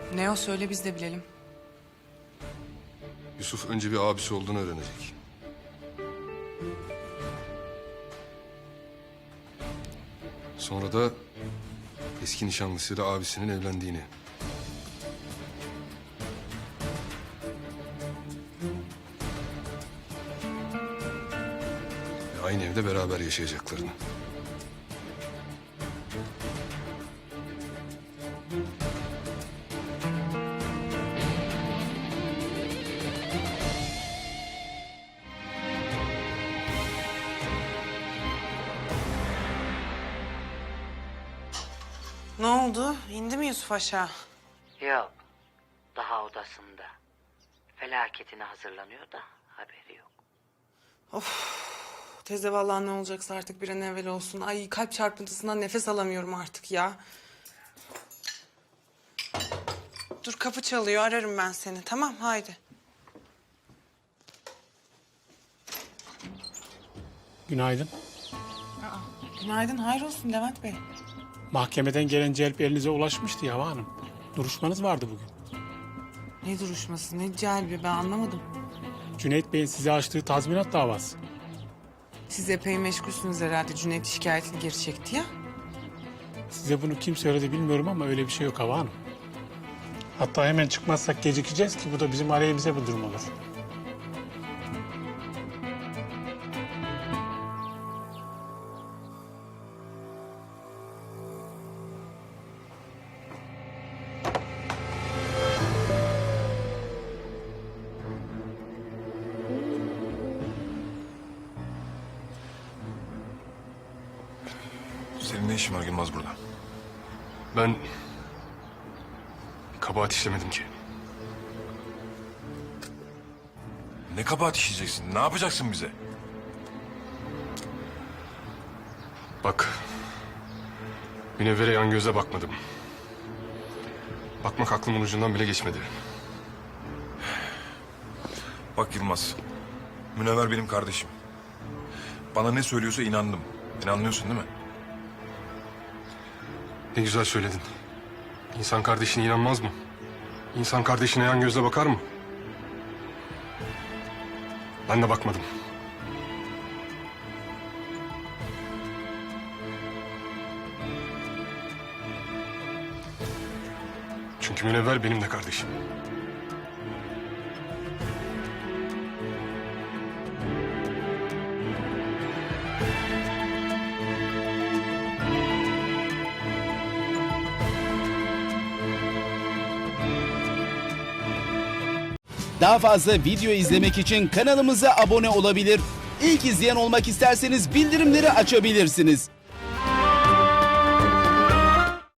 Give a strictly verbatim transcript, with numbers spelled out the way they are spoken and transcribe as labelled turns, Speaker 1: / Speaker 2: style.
Speaker 1: Ne o, söyle biz de bilelim.
Speaker 2: Yusuf önce bir abisi olduğunu öğrenecek. Sonra da eski nişanlısıyla abisinin evlendiğini. Ve aynı evde beraber yaşayacaklarını.
Speaker 1: Ne oldu? İndi mi Yusuf aşağı?
Speaker 3: Yok. Daha odasında. Felaketine hazırlanıyor da haberi yok.
Speaker 1: Teyze vallahi ne olacaksa artık bir an evvel olsun. Ay kalp çarpıntısından nefes alamıyorum artık ya. Dur kapı çalıyor, ararım ben seni. Tamam, haydi.
Speaker 4: Günaydın.
Speaker 1: Günaydın, hayrolsun Levent Bey.
Speaker 4: Mahkemeden gelen celp elinize ulaşmıştı ya Hanım. Duruşmanız vardı bugün.
Speaker 1: Ne duruşması, ne celbi, ben anlamadım.
Speaker 4: Cüneyt Bey'in size açtığı tazminat davası.
Speaker 1: Siz epey meşgulsünüz herhalde. Cüneyt şikayetini geri çekti ya.
Speaker 4: Size bunu kim söyledi bilmiyorum ama öyle bir şey yok Hava Hanım. Hatta hemen çıkmazsak gecikeceğiz ki bu da bizim aleyhimize bir durum olur.
Speaker 2: Senin ne işin var Yılmaz burada? Ben bir kabahat işlemedim ki.
Speaker 5: Ne kabahat işleyeceksin? Ne yapacaksın bize?
Speaker 2: Bak, Münevver'e yan göze bakmadım. Bakmak aklımın ucundan bile geçmedi.
Speaker 5: Bak Yılmaz, Münevver benim kardeşim. Bana ne söylüyorsa inandım. İnanmıyorsun değil mi?
Speaker 2: Ne güzel söyledin. İnsan kardeşine inanmaz mı? İnsan kardeşine yan gözle bakar mı? Ben de bakmadım. Çünkü Münevver benim de kardeşim.
Speaker 6: Daha fazla video izlemek için kanalımıza abone olabilir. İlk izleyen olmak isterseniz bildirimleri açabilirsiniz.